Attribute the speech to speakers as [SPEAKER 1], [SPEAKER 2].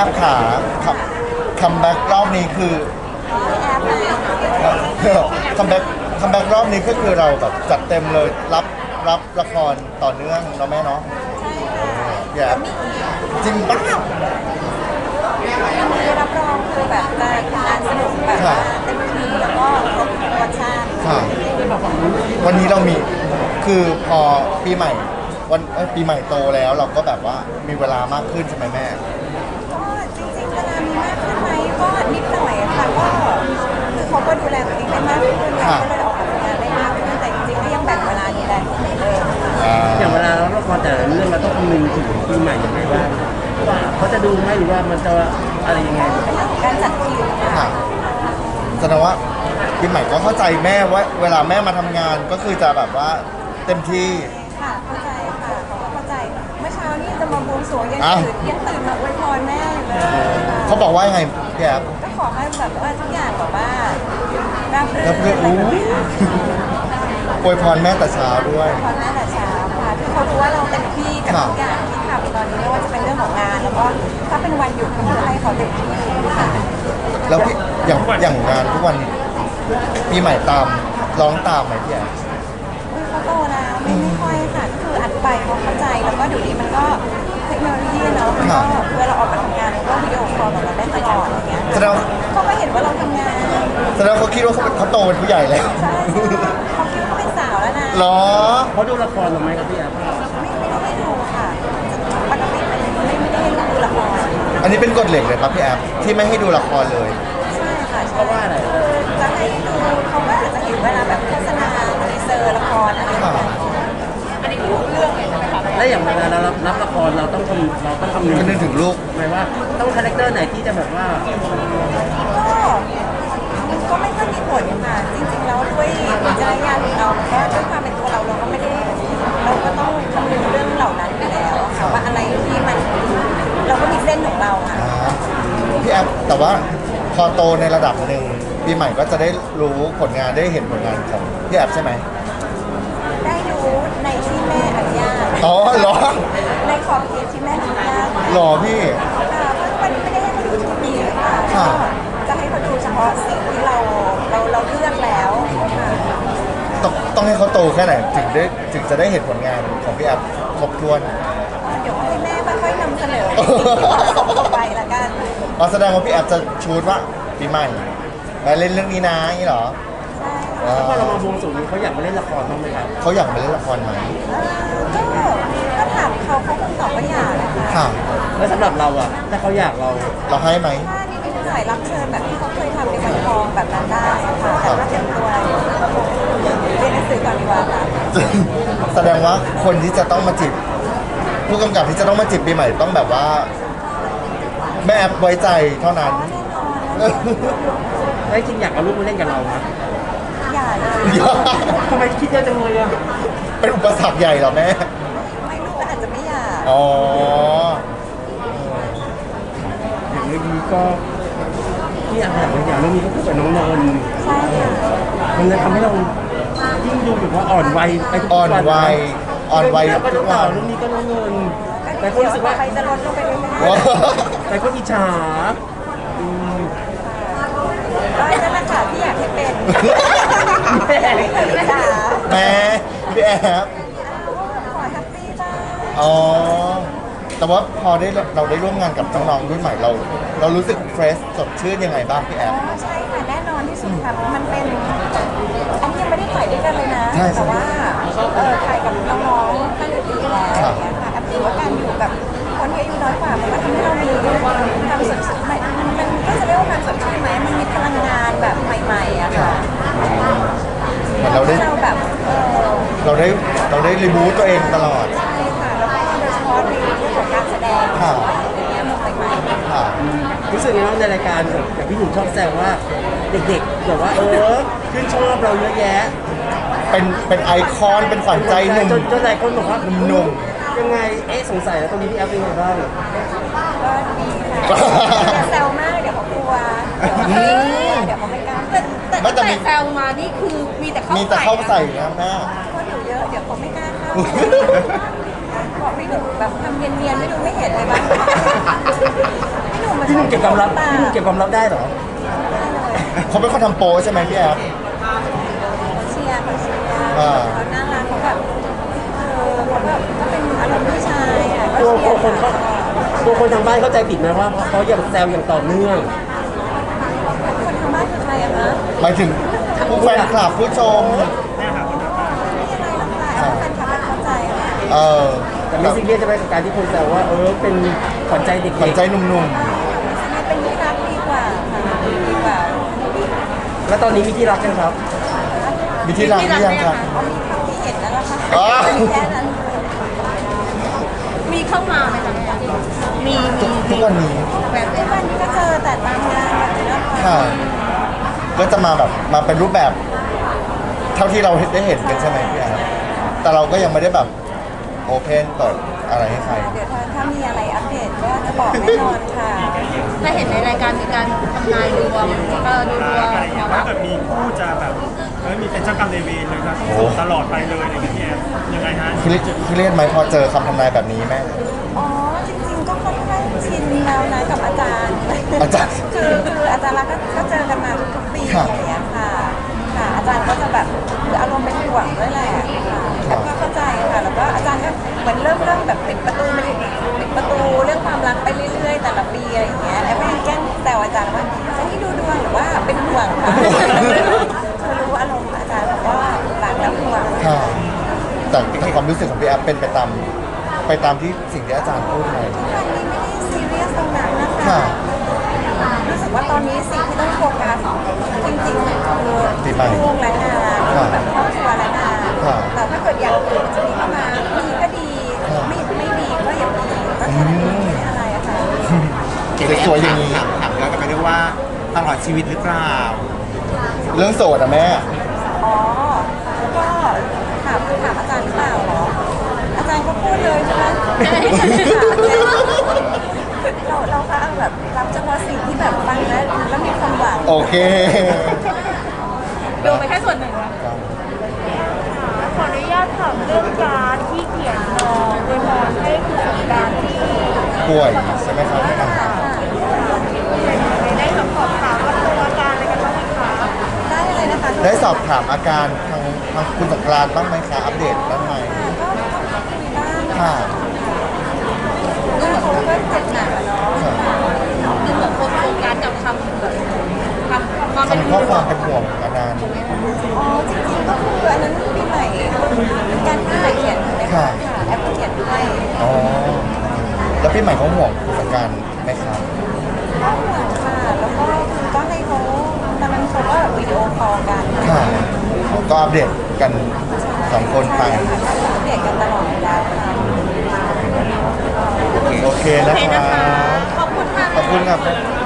[SPEAKER 1] อฟขาคัมแบ็กรอบนี้คือคัมแบ็กรอบนี้ก็คือเราแบบจัดเต็มเลยรับละครต่อเนื่องเนาะแม่เนาะอย่าจริงปะ
[SPEAKER 2] รับรองคือแบบงานสนุกแบบว่าเต็มที่แล้วก็ครบทุกรสชาติ
[SPEAKER 1] ค่ะวันนี้เรามีคือพอปีใหม่ปีใหม่โตแล้วเราก็แบบว่ามีเวลามากขึ้นใช่ไหมแม่
[SPEAKER 2] ก็จริงๆเวลามีมากขึ้นไหมก็นิดหน่อยค่ะก็คือเขาก็ดูแลตัวเองได้มากขึ้นเราก็เลยออกกำลังกายได้มากขึ้นแต่จริงๆก็ยังแบ่งเวลาดูแลตัวเองเลย
[SPEAKER 3] อย่างเวลาเราละครแต่ละเรื่องเราต้องคำนึงถึงปีใหม่ยังไงบ้างว่าเขาจะดูไหมหรือว่ามันจะอะไรยังไง
[SPEAKER 2] การจัดคิว
[SPEAKER 1] ค่ะแสดงว่าปีใหม่ก็เข้าใจแม่ว่าเวลาแม่มาทำงานก็คือจะแบบว่าเต็มที่
[SPEAKER 2] ค่ะเข้าใจค่ะเขาก็เข้าใจเมื่อเช้านี้จะมาบวงสรวงยังตื่นมาอวยพรแม่อยู่เลย
[SPEAKER 1] เขาบอกว่ายังไงพี่แอฟ
[SPEAKER 2] ก็ขอให้แบบว่าทุกอย่างแบบว่าราบรื่นอะไรแบบนี้
[SPEAKER 1] อวยพรแม่แต่เช้าด้วย
[SPEAKER 2] อวยพรแม่แต่เช้าค่ะคือเขารู้ว่าเราเต็มที่กับทุกอย่างที่ทำตอนนี้ไม่ว่าจะเป็นเรื่องของงานแล้วก็ถ้าเป็นวันหยุดก็คือให้เขาเต็มที่ค่ะ
[SPEAKER 1] แล้วพี่อย่างงานทุกวันปีใหม่ตามร้องตามไหมพี่แอฟ
[SPEAKER 2] เขาโตแล้วไม่ค่อยค่ะก็คืออัดไปเขาเข้าใจแล้วก็เดี๋ยวนี้มันก็เทคโนโลยีเนาะมันก็เวลาออกมาทำงานก็วิดีโอคอลกับเราได้ตลอดอย่างเงี้ยเขาก็เห็นว่าเราทำงาน
[SPEAKER 1] แสดงเขาคิดว่าเขาโตเป็นผู้ใหญ่แล้ว
[SPEAKER 2] ใช่เขาคิดว่าเขาเป็นสาวแล้วนะ
[SPEAKER 1] หรอ
[SPEAKER 3] เขาดูละครหรือไม่ครับพี่แอฟ
[SPEAKER 2] ไม่ได้ดูค่ะปกติไม่ได้ให้ดูละคร
[SPEAKER 1] อันนี้เป็นกฎเหล็กเลยครับพี่แอฟที่ไม่ให้ดูละครเลย
[SPEAKER 2] ใช่ค่ะ
[SPEAKER 3] เพราะว่าอะไร
[SPEAKER 2] จะให้ดูเขาก็อาจจะเห็นเวลาแบบโฆษณาในเซอร์ละครอะไรแบบนี้อันนี้คือเรื่องเลยใช่ไหมคะ
[SPEAKER 3] และอย่างเวลาเรารับละครเราต้องคำนึง
[SPEAKER 1] ถึงลูก
[SPEAKER 3] หมายว่าต้องคาแรคเตอร์ไหนที่จะแบบว่า
[SPEAKER 2] ก็ไม่ค่อยมีผลค่ะจริงๆแล้วด้วยวิจารณญาณของเราก็ด้วยความเป็นตัวเราก็ไม่ได้เราก็ต้องคำนึงเรื่องเหล่านั้นอยู่แล้วค่ะว่าอะไรที่มันเราก็มีเส้นของเราค่ะ
[SPEAKER 1] พี่แอฟแต่ว่าพอโตในระดับหนึ่งปีใหม่ก็จะได้รู้ผลงานได้เห็นผลงานของพี่แอฟใช่ไหม
[SPEAKER 2] ได้รู้ในที่แม่อนุญาต
[SPEAKER 1] อ๋อเหรอ
[SPEAKER 2] ในขอบเขตที่แม่อนุญาต
[SPEAKER 1] หรอพี่
[SPEAKER 2] มันไม่ได้ให้เขาดูทีวีค่ะจะให้เขาดูเฉพาะสิ่งที่เราเลือกแล้ว
[SPEAKER 1] ต้องให้เขาโตแค่ไหนถึงจะได้เห็นผลงานของพี่แอฟครบถ้วน
[SPEAKER 2] เดี๋ยวให้แม่ค่อยๆนำเสนอต่อไปละกัน
[SPEAKER 1] แสดงว่าพี่แอฟจะชูดว่าปีใหม่มาเล่นเรื่องนี้นะนี่เหรอ
[SPEAKER 2] ใช่
[SPEAKER 3] แล้วพอเรามาบวงสรวงนี้เขาอยากมาเล่นละครบ้างไหมครับ
[SPEAKER 1] เขาอยากมาเล่นละครไหม
[SPEAKER 2] ก็ถามเขาคงตอบว่าอยาก
[SPEAKER 1] ค่ะ
[SPEAKER 3] แล้วสำหรับเราอะถ้าเขาอยากเรา
[SPEAKER 1] ให้ไหม
[SPEAKER 2] ถ้านิดหน่อยรับเชิญแบบที่เขาเคยทำในวันทองแบบนั้นได้ค่ะแต่ถ้าเตรียมตัวเรียนหนังสือก่อนดีกว่าค่ะ
[SPEAKER 1] แสดงว่าคนที่จะต้องมาจีบผู้กำกับที่จะต้องมาจีบปีใหม่ต้องแบบว่าแม่แอฟไว้ใจเท่านั้น
[SPEAKER 3] แล้วจริงอยากเอาลูกมาเล่นกับเราไหม
[SPEAKER 2] อย่าเลย
[SPEAKER 3] ทำไมคิดเยอะจังเลยอะ
[SPEAKER 1] เป็นอุปสรรคใหญ่เหรอแม่
[SPEAKER 2] ไม่ลูกก็อาจจะไม่อยาก
[SPEAKER 1] อ๋อ
[SPEAKER 3] อย่างเรื่องนี้ก็ที่อยากเรื่องนี้ก็คือกับน้องนนท์
[SPEAKER 2] ใช่ค่ะ
[SPEAKER 3] มันเลยทำให้เรายิ่งดูแบบว่าอ่อนวัยไปทุกวัน
[SPEAKER 1] อ่อนวัย
[SPEAKER 3] ทุกวันเรื่องนี้ก็น้องนนท์แต่คนรู้สึกว่า
[SPEAKER 2] ใครจะลดลงไปเรื่อย
[SPEAKER 3] ๆแต่คนอิจฉา
[SPEAKER 2] ก็นั่นแหละค่ะที่อยากให้เป็น
[SPEAKER 1] แม่พี่แอฟ
[SPEAKER 2] ขอแฮปปี้บ้าง
[SPEAKER 1] อ๋อแต่ว่าพอเราได้ร่วมงานกับน้องๆรุ่นใหม่เรารู้สึกเฟรชสดชื่นยังไงบ้างพี่แอฟ
[SPEAKER 2] ใช่ค่ะแน่นอนที่สุดค่ะมันเป็นอันนี้ยังไม่ได้ถ่ายด้วยกันเลยนะแต่ว่าถ่ายกับน้องๆท่านอื่นๆแล้วอย่างเงี้ยค่ะแอปถือว่าการอยู่กับคนที่อายุน้อยกว่ามันก็ทำให้เรามีความสดชื่นมันก็จะเรียกว่าความสดชื่นไหมมันมีพลังงานแบบใหม่ๆอะค่ะ
[SPEAKER 1] เรา
[SPEAKER 2] แบบ
[SPEAKER 1] เราได้รีบูตตัวเองตลอด
[SPEAKER 2] ใช่ค่ะแล้วก็โดยเฉพาะในเรื่องของการแสดงอย่างเงี้ยมันใหม่
[SPEAKER 3] ๆรู้สึกยังไงในรายการอย่างพี่หนุ่มชอบแซวว่าเด็กๆแบบว่าชื่นชอบเราเยอะแยะ
[SPEAKER 1] เป็นไอคอนเป็นฝันใจหนุ่ม
[SPEAKER 3] จนหลายคนบอกว่า
[SPEAKER 1] หนุ่ม
[SPEAKER 3] ยังไงสงสัยแล้วตรงนี้พี่แอฟเป็นยังไงบ้าง
[SPEAKER 2] ก็ดีค่ะอย่าแซวมากเดี๋ยวเขากลัวเดี๋ยวเขาไม่กล้า
[SPEAKER 4] แต่แซวมานี่คือมีแต่
[SPEAKER 1] เข้าใส่นะแม่
[SPEAKER 2] คนอยู่เยอะเดี๋ยวเขาไม่กล้าเข้าบอกพี่หนุ่มแบบทำเนียนๆไม่ดูไม่เห็นเลยบ้างพี่หนุ่ม
[SPEAKER 3] พี่หนุ่มเก็บความลับพี่หนุ่มเก็บความลับได้เหรอ
[SPEAKER 1] เขาเป็นคนทำโปรใช่ไหมพี่แอฟ
[SPEAKER 2] เชียร์เขาเชียร์
[SPEAKER 1] อ่า
[SPEAKER 2] เขาน่ารักเขาแบบเขาแบบก็เป็นอารมณ์ผู้ชายอ่ะก็
[SPEAKER 3] ตัว
[SPEAKER 2] เชียร์
[SPEAKER 3] คนเขาตัวคนทางบ้านเข้าใจผิดไหมว่าเขายังแซวอย่างต่อเนื่อง
[SPEAKER 2] คนทางบ้านคือใครอะคะ
[SPEAKER 1] หมายถึงผู้แฟนคลับผู้ชม
[SPEAKER 2] ไม่อะไรหรอกค่ะแฟนคลับมันเข้าใจค่ะ
[SPEAKER 1] เออ
[SPEAKER 3] แต่ไม่ซีเรียสจะไปกับการที่คนแซวว่าเป็นขวัญใจเด็ก
[SPEAKER 1] ขวัญใจหนุ่ม
[SPEAKER 2] อันนี้เป็นที่รักดีกว่าค่ะดีกว่า
[SPEAKER 3] ๆแล้วตอนนี้มีที่รักกันครับ
[SPEAKER 1] ๆมีที่รักหรือยังครับ
[SPEAKER 2] เอามีเท่าที่เห็นแล้วล่ะค่ะ
[SPEAKER 1] อ๋อ
[SPEAKER 2] แค่นั้น
[SPEAKER 4] มีเข้ามาไหมจ๊ะมี
[SPEAKER 1] ทุกวันนี้
[SPEAKER 2] แบบทุกวันนี้ก็เจอแต่ตามงานแบบนี้นะคะ
[SPEAKER 1] ค่ะ ก็จะมาแบบมาเป็นรูปแบบ เท่าที่เราได้เห็นกันใช่ไหมพี่แอฟแต่เราก็ยังไม่ได้แบบโอเพนเปิดอะไรให้ใคร
[SPEAKER 2] เดี๋ยวถ้ามีอะไรอัปเดตก็จะบอกแน่นอนค่ะ
[SPEAKER 4] ถ้าเห็นในรายการมีการทำนายดวงก็ดูดวง
[SPEAKER 5] อะไรอย่างเงี้ยถ้าเกิดมีคู่จะแบบมีเป็นเจ้ากรรมนายเวรเลยนะโสดตลอดไปเลยอะไรอย่างเงี้ยพี่แอฟยังไงฮะ
[SPEAKER 1] คิดเล่นไหมพอเจอคำทำนายแบบนี้แม่
[SPEAKER 2] อ๋อจริงๆก็ค่อนข้างชินแล้วนะกับอาจารย์
[SPEAKER 1] อาจารย์
[SPEAKER 2] คืออาจารย์รักก็เจอกันมาทุกๆปี
[SPEAKER 1] ครั
[SPEAKER 2] อบ ย่างเงี้ยค่ะค่ะ อาจารย์ก็จะแบบคืออารมณ์เป็นห่วงด้วยแหละค่ะแล้วก็เข้าใจค่ะแล้วก็อาจารย์ก็เหมือนเริ่มแบบปิดประตูเรื่องความรักไปเรื่อยๆแต่ละปีอะไรอย่างเงี้ยแล้วก็ยังแกล้งแซวอาจารย์ว่าจะให้ดูดวงหรือว่าเป็นห่วงค่ะคือรู้อารมณ์อาจารย์บอกว่ารักแล้วห่วง
[SPEAKER 1] ค่ะแต่ความรู้สึกของพี่แอฟเป็นไปตามที่สิ่งที่อาจารย์พูดไหม
[SPEAKER 2] ทุกวันนี้ไม่ได้ซีเรียสตรงนั้นนะคะ
[SPEAKER 1] ค่ะ
[SPEAKER 2] รู้สึกว่าตอนนี้สิ่งที่ต้องโฟกัสจริงๆคือลูกและงานแบบครอบครัวและงานแต่ถ้าเกิดอย่างอื่นจะมีเข้ามาดีก็ดีไม่ดีก็อย่าดีก็แค่นั้นเองไม่อะไรอะค่ะ
[SPEAKER 1] สวยๆอย่างนี้
[SPEAKER 6] ถามย้อนกลับไปด้วยว่าตลอดชีวิตหรือเปล่า
[SPEAKER 1] เรื่องโสดอะแม่
[SPEAKER 2] อ๋อก็ถามอาจารย์หรือเปล่าเหรออาจารย์ก็พูดเลยใช่ไหมเราก็แบบรับเฉพาะสิ่งที่แบบฟังแล้วมีความหวัง
[SPEAKER 1] โอเค
[SPEAKER 4] ดูไปแค่ส่วนหนึ่งนะ
[SPEAKER 7] ขออนุญาตถามเรื่องการที่เขียนโดยพรให้คุณสงกรารที่
[SPEAKER 1] ป่วยใช่ไหมครับ
[SPEAKER 7] ได้สอบถามว่าตัวอาการอะไรกันบ้างไหมคะ
[SPEAKER 2] ได้เลยนะคะ
[SPEAKER 1] ได้สอบถามอาการทางคุณสงกรานต์บ้างไหมคะอัปเดตบ้างไหม
[SPEAKER 2] ก็คุยบ้าง
[SPEAKER 1] ค่ะ
[SPEAKER 2] เพราะว่าเขาก็เจ็บหนักอะเนาะ
[SPEAKER 4] คือเหมือนคนโฟกัสกับคำแบบคำความเป็น
[SPEAKER 1] ทำข้อความเป็นห่วงอาการ
[SPEAKER 2] อ๋อจริงๆก็คืออันนั้นปีใหม่การปีใหม่เขียนนะคะแอปเขียนให้
[SPEAKER 1] อ๋อแล้วพี่ใหม่เขาห่วงคุณสงกรานต์ไหมครับ
[SPEAKER 2] ก็ห่วงค่ะแล้วก็คือก็ให้เขาตอนนั้นเขาก็วิดีโอคอลกัน
[SPEAKER 1] ค่ะก็อัปเดตกันสองคนไป
[SPEAKER 2] ค่ะก็อัปเดตกันตลอดอยู่แล้วค่ะ
[SPEAKER 1] โอเคนะ
[SPEAKER 4] โอเค
[SPEAKER 1] ค
[SPEAKER 4] นะ
[SPEAKER 1] รั
[SPEAKER 4] คะ
[SPEAKER 1] บ
[SPEAKER 4] ขอบคุณค่ะ
[SPEAKER 1] ขอบคุณครับ